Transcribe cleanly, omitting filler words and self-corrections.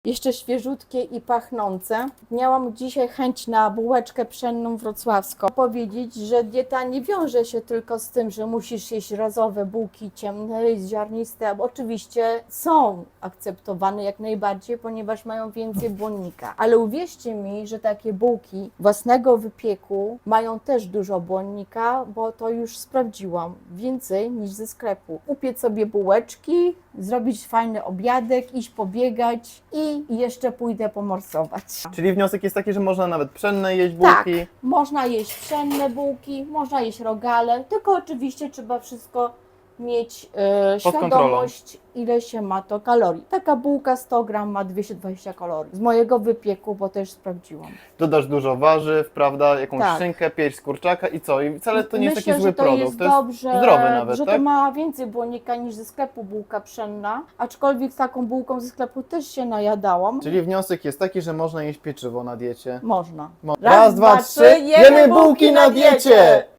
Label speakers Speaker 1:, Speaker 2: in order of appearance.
Speaker 1: Jeszcze świeżutkie i pachnące. Miałam dzisiaj chęć na bułeczkę pszenną wrocławską. Powiedzieć, że dieta nie wiąże się tylko z tym, że musisz jeść razowe bułki ciemne, ziarniste. Oczywiście są akceptowane jak najbardziej, ponieważ mają więcej błonnika. Ale uwierzcie mi, że takie bułki własnego wypieku mają też dużo błonnika, bo to już sprawdziłam. Więcej niż ze sklepu. Upiec sobie bułeczki, zrobić fajny obiadek, iść pobiegać i jeszcze pójdę pomorsować.
Speaker 2: Czyli wniosek jest taki, że można nawet pszenne jeść
Speaker 1: Tak,
Speaker 2: bułki.
Speaker 1: można jeść pszenne bułki, można jeść rogale, tylko oczywiście trzeba wszystko mieć
Speaker 2: Pod
Speaker 1: świadomość, ile się ma to kalorii. Taka bułka 100 gram ma 220 kalorii. Z mojego wypieku, bo też sprawdziłam.
Speaker 2: Dodasz dużo warzyw, prawda, jakąś
Speaker 1: Tak.
Speaker 2: szynkę, pierś z kurczaka i co? I wcale to nie jest
Speaker 1: Myślę,
Speaker 2: taki zły
Speaker 1: że to
Speaker 2: produkt.
Speaker 1: jest
Speaker 2: To jest
Speaker 1: dobrze,
Speaker 2: zdrowy nawet,
Speaker 1: że
Speaker 2: tak?
Speaker 1: to ma więcej błonnika niż ze sklepu bułka pszenna, aczkolwiek taką bułką ze sklepu też się najadałam.
Speaker 2: Czyli wniosek jest taki, że można jeść pieczywo na diecie.
Speaker 1: Można.
Speaker 2: Raz, dwa, trzy, jemy bułki na diecie!